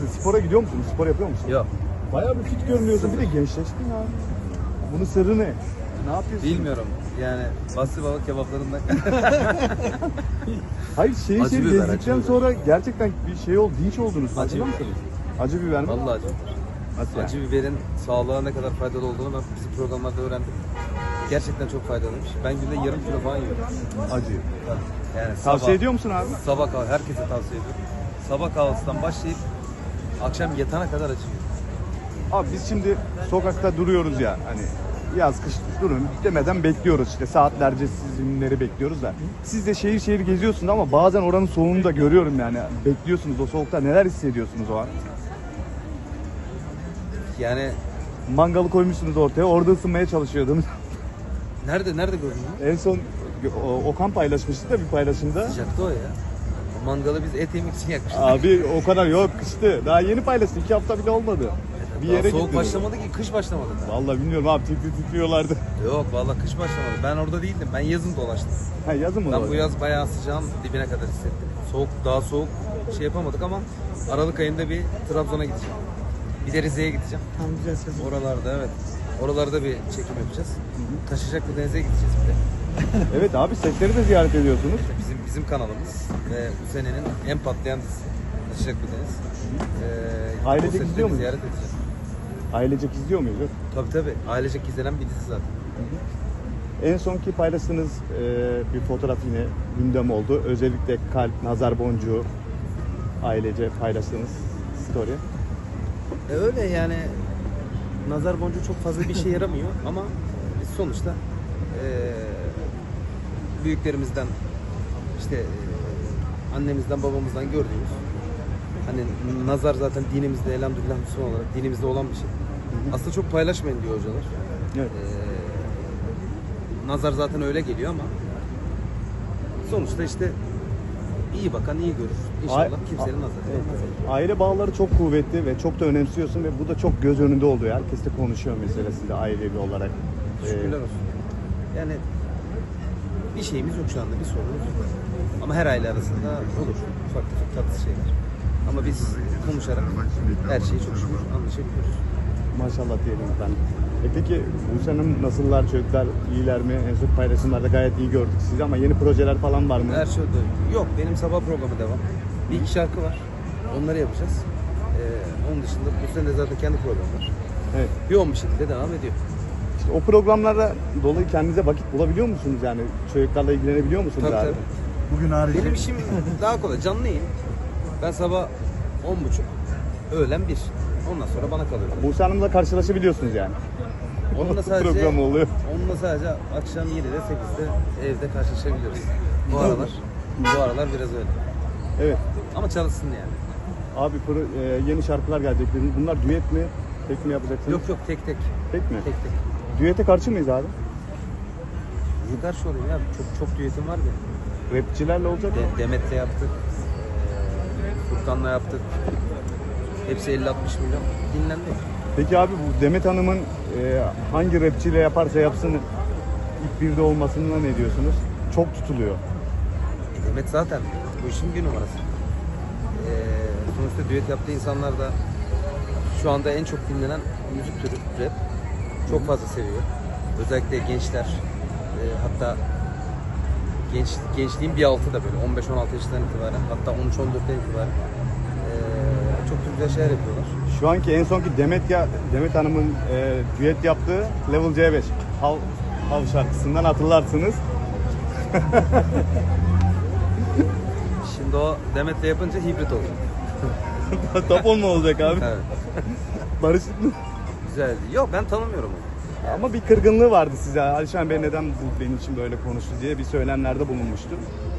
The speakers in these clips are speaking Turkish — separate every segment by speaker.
Speaker 1: spora gidiyor musun? Spor yapıyor musun?
Speaker 2: Yok.
Speaker 1: Bayağı bir fit görünüyorsun. Bir de gençleştin ya. Bunun sırrı ne? Ne yapıyorsun?
Speaker 2: Bilmiyorum. Yani bastı balık kebaplarından.
Speaker 1: Hayır şehir
Speaker 2: Acı
Speaker 1: şehir
Speaker 2: biber,
Speaker 1: gezdikten
Speaker 2: acı biber.
Speaker 1: sonra gerçekten bir şey oldu, dinç oldunuz. Farkında
Speaker 2: biber.
Speaker 1: mısınız? Acı biber mi?
Speaker 2: Vallahi acı.
Speaker 1: Nasıl yani?
Speaker 2: Acı biberin sağlığa ne kadar faydalı olduğunu ben bizim programlarda öğrendim. Gerçekten çok faydalıymış. Ben günde yarım kilo falan yiyorum.
Speaker 1: Acı.
Speaker 2: Yani
Speaker 1: Tavsiye ediyor musun abi?
Speaker 2: Sabah kahvaltı herkese tavsiye ediyorum. Sabah kahvaltısından başlayıp akşam yatana kadar acı yiyorum.
Speaker 1: Abi biz şimdi sokakta duruyoruz ya hani yaz kış durun demeden bekliyoruz işte saatlerce sizinleri bekliyoruz da. Siz de şehir şehir geziyorsunuz ama bazen oranın soğuğunu da görüyorum yani. Bekliyorsunuz o soğukta neler hissediyorsunuz o an?
Speaker 2: Yani
Speaker 1: Mangalı koymuşsunuz ortaya orada ısınmaya çalışıyordunuz.
Speaker 2: nerede gördün ya?
Speaker 1: En son Okan paylaşmıştı da bir paylaşımda.
Speaker 2: Sıcaktı o ya. O mangalı biz et yemek için yakmıştık.
Speaker 1: Abi o kadar yok kıştı. Daha yeni paylaştı 2 hafta bile olmadı. Bir
Speaker 2: Daha
Speaker 1: yere
Speaker 2: soğuk
Speaker 1: gittiniz.
Speaker 2: başlamadı ki, kış başlamadı daha.
Speaker 1: Vallahi bilmiyorum abi titriyorlardı.
Speaker 2: Yok vallahi kış başlamadı. Ben orada değildim. Ben yazın dolaştım.
Speaker 1: Ha yazın mı?
Speaker 2: Ben bu yaz bayağı sıcağın dibine kadar hissettim. Daha soğuk şey yapamadık ama Aralık ayında bir Trabzon'a gideceğim. Bir de Rize'ye gideceğim.
Speaker 3: Tam güzel sezon.
Speaker 2: Oralarda evet. Oralarda bir çekim yapacağız. Taşacaklı Deniz'e gideceğiz bir de.
Speaker 1: Evet abi setleri de ziyaret ediyorsunuz.
Speaker 2: Bizim kanalımız ve bu senenin en patlayan dizisi Taşacaklı Deniz. O
Speaker 1: Ailecek
Speaker 2: setleri
Speaker 1: izliyor muyuz?
Speaker 2: ziyaret edeceğiz.
Speaker 1: Ailecek izliyor muyuz?
Speaker 2: Tabii. Ailecek izlenen bir dizi zaten.
Speaker 1: En sonki paylaştığınız bir fotoğraf yine gündem oldu. Özellikle kalp, nazar boncuğu ailece paylaştığınız story.
Speaker 2: Öyle yani nazar boncuğu çok fazla bir şey yaramıyor ama biz sonuçta büyüklerimizden işte annemizden babamızdan gördüğümüz hani nazar zaten dinimizde elhamdülillah Müslüman olarak dinimizde olan bir şey. Aslında çok paylaşmayın diyor hocalar.
Speaker 1: Evet.
Speaker 2: Nazar zaten öyle geliyor ama sonuçta işte iyi bakan iyi görür. İnşallah kimsenin nazarı değmez.
Speaker 1: Aile bağları çok kuvvetli ve çok da önemsiyorsun ve bu da çok göz önünde oluyor. Herkes de konuşuyor mesela size ailevi olarak.
Speaker 2: Şükürler olsun. Yani bir şeyimiz yok şu anda, bir sorunumuz yok. Ama her aile arasında olur ufak tefek tatlı şeyler. Ama biz konuşarak her şeyi çok şükür anlaşabiliyoruz.
Speaker 1: Maşallah diyelim ben. Peki Buse Hanım nasıllar çocuklar iyiler mi? En son paylaşımlarda gayet iyi gördük sizi ama yeni projeler falan var mı?
Speaker 2: Her şey yok. Benim sabah programı devam. Bir iki şarkı var. Onları yapacağız. Onun dışında bu sene zaten kendi programı var.
Speaker 1: Evet.
Speaker 2: Yoğun bir şekilde devam ediyor.
Speaker 1: İşte o programlarda dolayı kendinize vakit bulabiliyor musunuz yani? Çocuklarla ilgilenebiliyor musunuz
Speaker 2: Tabii,
Speaker 1: abi?
Speaker 2: tabii.
Speaker 3: Bugün harici.
Speaker 2: Benim işim daha kolay. Canlı yayın. Ben sabah 10.30, öğlen 1. Ondan sonra bana kalıyor.
Speaker 1: Buse Hanım'la karşılaşabiliyorsunuz yani.
Speaker 2: Onunla sadece
Speaker 1: program oluyor.
Speaker 2: akşam 7'de 8'de evde karşılaşabiliyoruz. Bu aralar biraz öyle.
Speaker 1: Evet.
Speaker 2: Ama çalışsın yani.
Speaker 1: Abi yeni şarkılar gelecek dediniz. Bunlar düet mi? Tek mi yapacaksınız?
Speaker 2: Yok tek.
Speaker 1: Tek mi?
Speaker 2: Tek.
Speaker 1: Düete karşı mıyız abi?
Speaker 2: Niye karşı olayım ya? Çok düetim var benim.
Speaker 1: Rapçilerle olacak mı?
Speaker 2: Demet'le yaptık. Furkan'la yaptık. Hepsi 50-60 milyon dinlendi.
Speaker 1: Peki abi bu Demet Hanım'ın hangi rapçiyle yaparsa yapsın ilk birde olmasına ne diyorsunuz? Çok tutuluyor.
Speaker 2: Demet zaten bu işin bir numarası. Sonuçta düet yaptığı insanlar da şu anda en çok dinlenen müzik türü rap. Çok fazla seviyor. Özellikle gençler, hatta gençliğin bir altı da böyle 15-16 yaşından itibaren, hatta 13-14'ten itibaren çok güzel şeyler yapıyorlar.
Speaker 1: Şu anki en sonki Demet Hanım'ın düet yaptığı Level C5 Hav şarkısından hatırlarsınız.
Speaker 2: Şimdi o Demet'le yapınca hibrit olacak.
Speaker 1: Top 10 mu olacak abi?
Speaker 2: Evet.
Speaker 1: Barışık mı?
Speaker 2: Güzeldi. Yok ben tanımıyorum onu.
Speaker 1: Ama bir kırgınlığı vardı size. Alişan Bey neden bu benim için böyle konuştu diye bir söylemlerde bulunmuştu.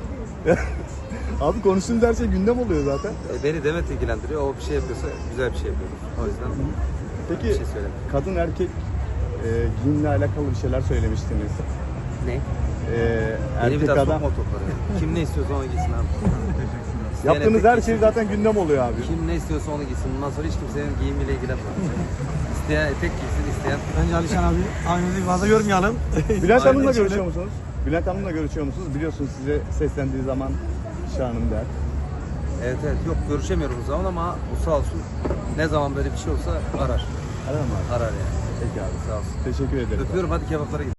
Speaker 1: Abi konuştuğumuz her şey gündem oluyor zaten.
Speaker 2: Beni Demet ilgilendiriyor. O bir şey yapıyorsa güzel bir şey yapıyor. O yüzden
Speaker 1: Peki
Speaker 2: bir şey söyleyeyim.
Speaker 1: kadın erkek giyimle alakalı bir şeyler söylemiştiniz.
Speaker 2: Ne?
Speaker 1: Erkek
Speaker 2: Beni bir daha
Speaker 1: adam.
Speaker 2: sokma toplara. Kim ne istiyorsa onu giysin abi. İsteyen
Speaker 1: Yaptığınız
Speaker 2: etek
Speaker 1: her şey
Speaker 2: giysin.
Speaker 1: zaten gündem oluyor abi.
Speaker 2: Kim ne istiyorsa onu giysin. Bundan sonra hiç kimsenin giyimiyle ilgilenmez. İsteyen etek giysin, isteyen...
Speaker 3: Bence Alişan abi aynı fazla yormayalım.
Speaker 1: Bülent Hanım'la
Speaker 3: Aynen
Speaker 1: görüşüyor
Speaker 3: şöyle.
Speaker 1: musunuz? Bülent Hanım'la görüşüyor musunuz? Biliyorsunuz size seslendiği zaman Şahanım der.
Speaker 2: Evet evet, yok görüşemiyorum o zaman ama o sağ olsun ne zaman böyle bir şey olsa arar.
Speaker 1: Arar mı abi?
Speaker 2: Arar yani.
Speaker 1: Peki abi.
Speaker 2: Sağ olsun.
Speaker 1: Teşekkür ederim.
Speaker 2: Öpüyorum, hadi kebaplara gidelim.